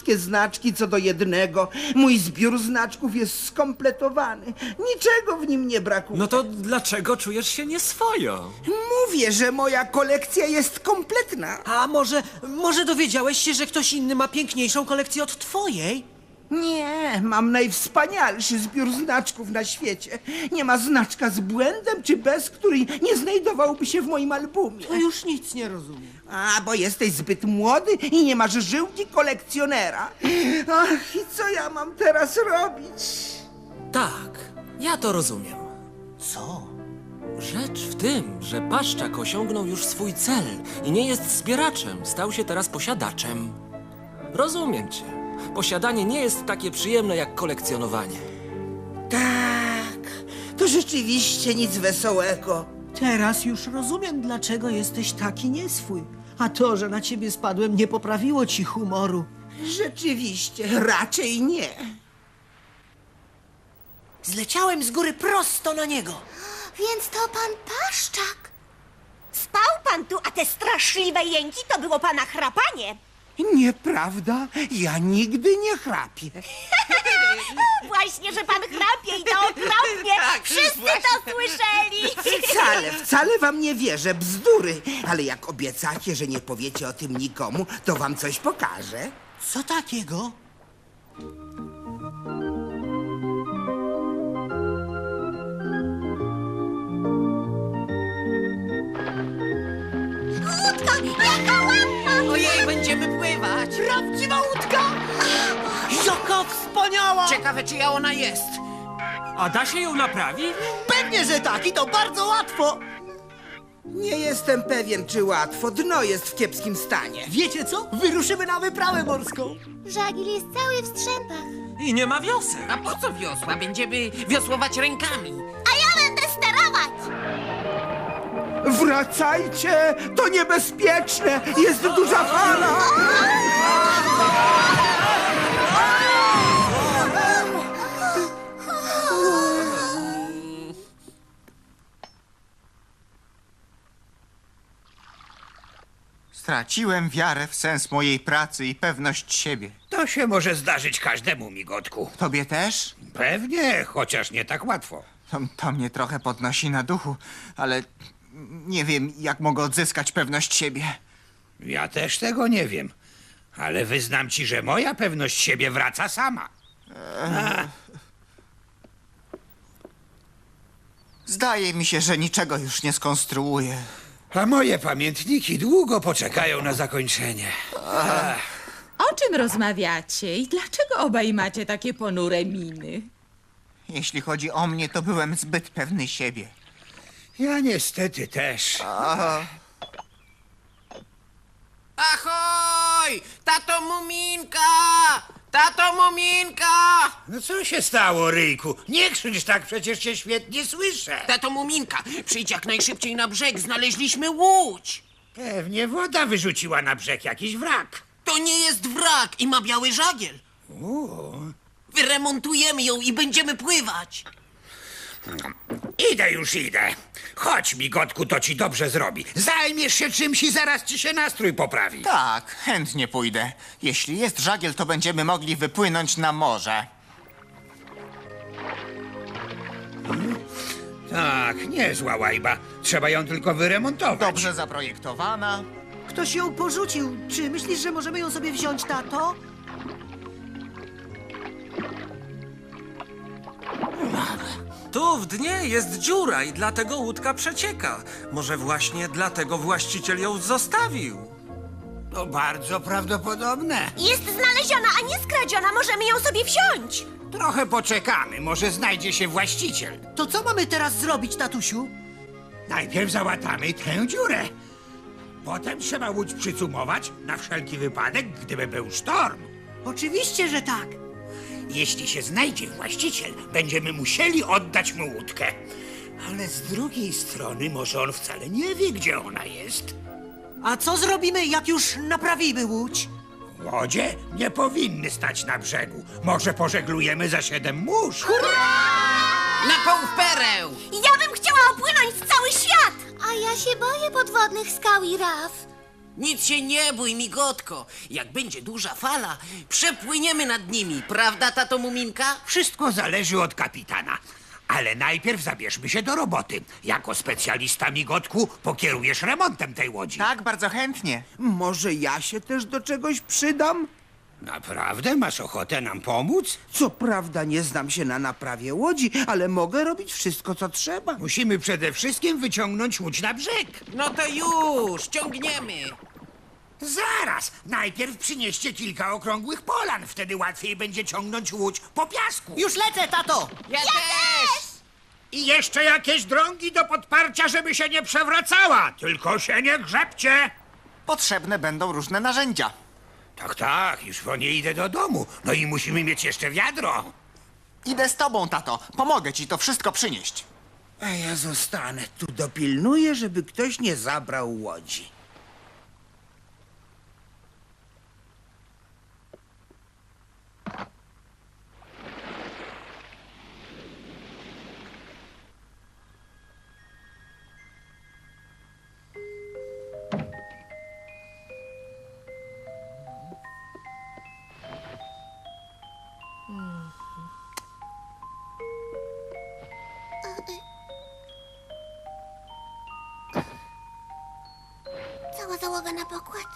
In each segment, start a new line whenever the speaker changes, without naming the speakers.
wszystkie znaczki co do jednego. Mój zbiór znaczków jest skompletowany. Niczego w nim nie brakuje.
No to dlaczego czujesz się nieswojo?
Mówię, że moja kolekcja jest kompletna.
A może dowiedziałeś się, że ktoś inny ma piękniejszą kolekcję od twojej?
Nie, mam najwspanialszy zbiór znaczków na świecie. Nie ma znaczka z błędem czy bez, który nie znajdowałby się w moim albumie.
To już nic nie rozumiem.
A, bo jesteś zbyt młody i nie masz żyłki kolekcjonera. Ach, i co ja mam teraz robić?
Tak, ja to rozumiem.
Co?
Rzecz w tym, że Paszczak osiągnął już swój cel i nie jest zbieraczem, stał się teraz posiadaczem. Rozumiem cię. Posiadanie nie jest takie przyjemne jak kolekcjonowanie.
Tak, to rzeczywiście nic wesołego.
Teraz już rozumiem, dlaczego jesteś taki nieswój. A to, że na ciebie spadłem, nie poprawiło ci humoru.
Rzeczywiście, raczej nie.
Zleciałem z góry prosto na niego.
Więc to pan Paszczak. Spał pan tu, a te straszliwe jęki to było pana chrapanie.
Nieprawda, ja nigdy nie chrapię.
Właśnie, że pan chrapie i to okropnie. Wszyscy to słyszeli.
Wcale wam nie wierzę, bzdury. Ale jak obiecacie, że nie powiecie o tym nikomu, to wam coś pokażę.
Co takiego?
Łódka, jaka ładna.
Ojej, będziemy pływać!
Prawdziwa łódka! Jaka wspaniała!
Ciekawe, czyja ona jest.
A da się ją naprawić?
Pewnie, że tak i to bardzo łatwo!
Nie jestem pewien, czy łatwo. Dno jest w kiepskim stanie.
Wiecie co? Wyruszymy na wyprawę morską.
Żagiel jest cały w strzępach.
I nie ma wiosek.
A po co wiosła? Będziemy wiosłować rękami.
A ja będę sterować.
Wracajcie! To niebezpieczne! Jest duża fala!
Straciłem wiarę w sens mojej pracy i pewność siebie.
To się może zdarzyć każdemu, migotku.
Tobie też?
Pewnie, chociaż nie tak łatwo.
To mnie trochę podnosi na duchu, ale nie wiem, jak mogę odzyskać pewność siebie.
Ja też tego nie wiem. Ale wyznam ci, że moja pewność siebie wraca sama.
Zdaje mi się, że niczego już nie skonstruuję.
A moje pamiętniki długo poczekają na zakończenie.
O czym rozmawiacie i dlaczego obaj macie takie ponure miny?
Jeśli chodzi o mnie, to byłem zbyt pewny siebie.
Ja niestety też.
Ahoj! Tato Muminka! Tato Muminka!
No co się stało, Ryjku? Nie krzycz tak, przecież cię świetnie słyszę.
Tato Muminka, przyjdź jak najszybciej na brzeg, znaleźliśmy łódź!
Pewnie woda wyrzuciła na brzeg jakiś wrak.
To nie jest wrak i ma biały żagiel. Wyremontujemy ją i będziemy pływać.
Idę. Chodź, migotku, to ci dobrze zrobi. Zajmiesz się czymś i zaraz ci się nastrój poprawi.
Tak, chętnie pójdę. Jeśli jest żagiel, to będziemy mogli wypłynąć na morze.
Tak, niezła łajba. Trzeba ją tylko wyremontować.
Dobrze zaprojektowana.
Ktoś ją porzucił. Czy myślisz, że możemy ją sobie wziąć, tato?
Tu w dnie jest dziura i dlatego łódka przecieka. Może właśnie dlatego właściciel ją zostawił.
To bardzo prawdopodobne.
Jest znaleziona, a nie skradziona. Możemy ją sobie wziąć.
Trochę poczekamy, może znajdzie się właściciel.
To co mamy teraz zrobić, tatusiu?
Najpierw załatamy tę dziurę. Potem trzeba łódź przycumować na wszelki wypadek, gdyby był sztorm.
Oczywiście, że tak.
Jeśli się znajdzie właściciel, będziemy musieli oddać mu łódkę. Ale z drugiej strony może on wcale nie wie, gdzie ona jest.
A co zrobimy, jak już naprawimy łódź?
Łodzie nie powinny stać na brzegu. Może pożeglujemy za 7 mórz.
Na połów pereł!
Ja bym chciała opłynąć cały świat. A ja się boję podwodnych skał i raf.
Nic się nie bój, migotko. Jak będzie duża fala, przepłyniemy nad nimi. Prawda, tato Muminka?
Wszystko zależy od kapitana. Ale najpierw zabierzmy się do roboty. Jako specjalista, migotku, pokierujesz remontem tej łodzi.
Tak, bardzo chętnie.
Może ja się też do czegoś przydam?
Naprawdę? Masz ochotę nam pomóc?
Co prawda nie znam się na naprawie łodzi, ale mogę robić wszystko, co trzeba.
Musimy przede wszystkim wyciągnąć łódź na brzeg.
No to już, ciągniemy.
Zaraz! Najpierw przynieście kilka okrągłych polan. Wtedy łatwiej będzie ciągnąć łódź po piasku.
Już lecę, tato!
Ja też!
I jeszcze jakieś drągi do podparcia, żeby się nie przewracała. Tylko się nie grzebcie.
Potrzebne będą różne narzędzia.
Tak, tak, już po nie idę do domu. No i musimy mieć jeszcze wiadro.
Idę z tobą, tato. Pomogę ci to wszystko przynieść.
A ja zostanę tu, dopilnuję, żeby ktoś nie zabrał łodzi.
Cała załoga na pokład.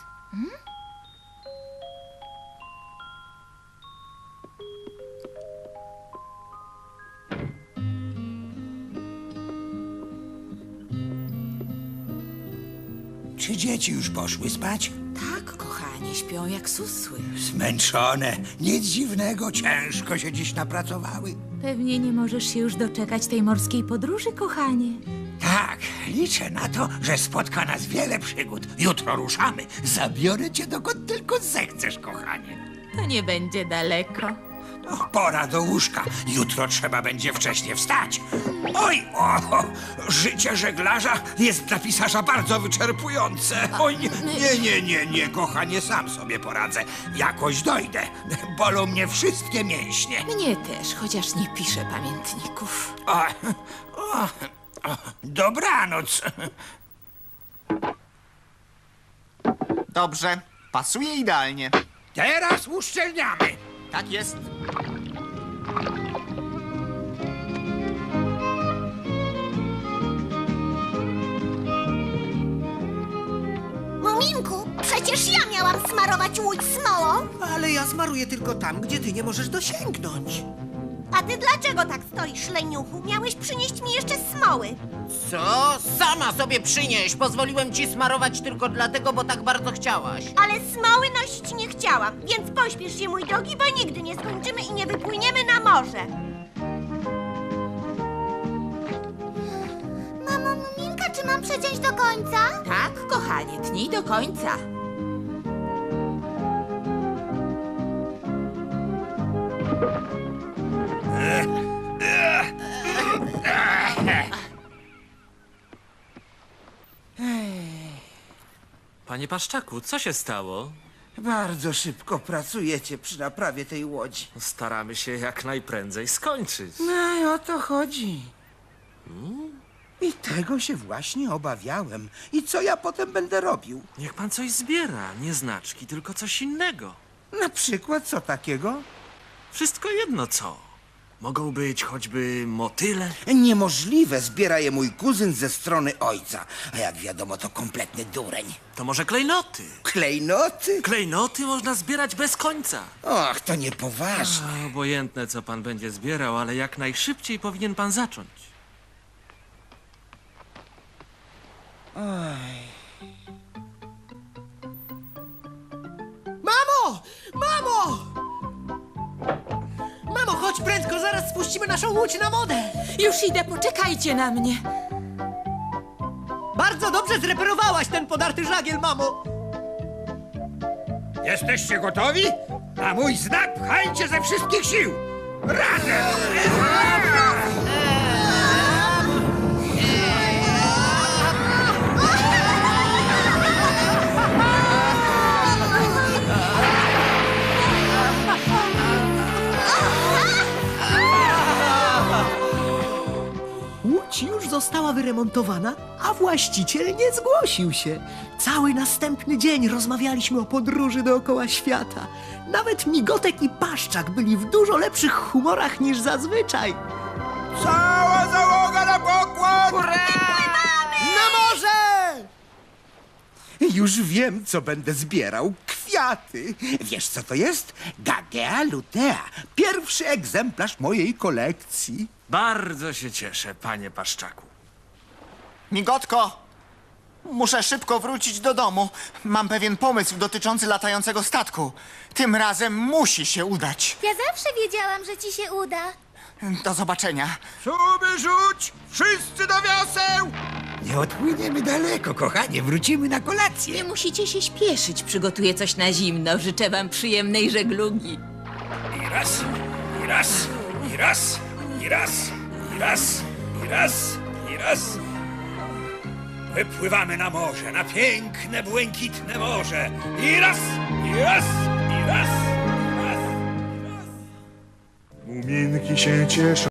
Czy dzieci już poszły spać?
Tak, kochanie, śpią jak susły.
Zmęczone. Nic dziwnego, ciężko się dziś napracowały.
Pewnie nie możesz się już doczekać tej morskiej podróży, kochanie.
Tak, liczę na to, że spotka nas wiele przygód. Jutro ruszamy. Zabiorę cię dokąd tylko zechcesz, kochanie.
To nie będzie daleko.
Pora do łóżka. Jutro trzeba będzie wcześnie wstać. Oj, życie żeglarza jest dla pisarza bardzo wyczerpujące. Oj, nie, kochanie, sam sobie poradzę. Jakoś dojdę. Bolą mnie wszystkie mięśnie.
Mnie też, chociaż nie piszę pamiętników.
Dobranoc.
Dobrze, pasuje idealnie.
Teraz uszczelniamy.
Tak jest.
Muminku, przecież ja miałam smarować łódź smołą.
Ale ja smaruję tylko tam, gdzie ty nie możesz dosięgnąć.
A ty dlaczego tak stoisz, leniuchu? Miałeś przynieść mi jeszcze smoły.
Co? Sama sobie przynieś. Pozwoliłem ci smarować tylko dlatego, bo tak bardzo chciałaś.
Ale smoły nosić nie chciałam, więc pośpiesz się, mój drogi, bo nigdy nie skończymy i nie wypłyniemy na morze. Mamo, Muminka, czy mam przeciąć do końca?
Tak, kochanie, tnij do końca.
Panie Paszczaku, co się stało?
Bardzo szybko pracujecie przy naprawie tej łodzi.
Staramy się jak najprędzej skończyć.
No i o to chodzi. I tego się właśnie obawiałem. I co ja potem będę robił?
Niech pan coś zbiera, nie znaczki, tylko coś innego.
Na przykład co takiego?
Wszystko jedno co. Mogą być choćby motyle.
Niemożliwe, zbiera je mój kuzyn ze strony ojca. A jak wiadomo, to kompletny dureń.
To może klejnoty.
Klejnoty?
Klejnoty można zbierać bez końca.
Och, to niepoważne.
A, obojętne co pan będzie zbierał, ale jak najszybciej powinien pan zacząć.
Mamo! Mamo! Mamo, chodź prędko, zaraz spuścimy naszą łódź na wodę.
Już idę, poczekajcie na mnie.
Bardzo dobrze zreperowałaś ten podarty żagiel, mamo.
Jesteście gotowi? Na mój znak pchajcie ze wszystkich sił. Razem!
Łódź już została wyremontowana, a właściciel nie zgłosił się. Cały następny dzień rozmawialiśmy o podróży dookoła świata. Nawet Migotek i Paszczak byli w dużo lepszych humorach niż zazwyczaj.
Cała załoga na pokład!
Na morze!
Już wiem, co będę zbierał. Kwiaty. Wiesz, co to jest? Gagea lutea. Pierwszy egzemplarz mojej kolekcji.
Bardzo się cieszę, panie Paszczaku.
Migotko! Muszę szybko wrócić do domu. Mam pewien pomysł dotyczący latającego statku. Tym razem musi się udać.
Ja zawsze wiedziałam, że ci się uda.
Do zobaczenia.
Sumy rzuć! Wszyscy do wiaseł!
Nie odpłyniemy daleko, kochanie. Wrócimy na kolację.
Nie musicie się śpieszyć, przygotuję coś na zimno. Życzę wam przyjemnej żeglugi.
I raz, i raz, i raz, i raz, i raz, i raz, i raz. Wypływamy na morze, na piękne, błękitne morze. I raz, i raz, i raz, i raz.
Muminki się cieszą.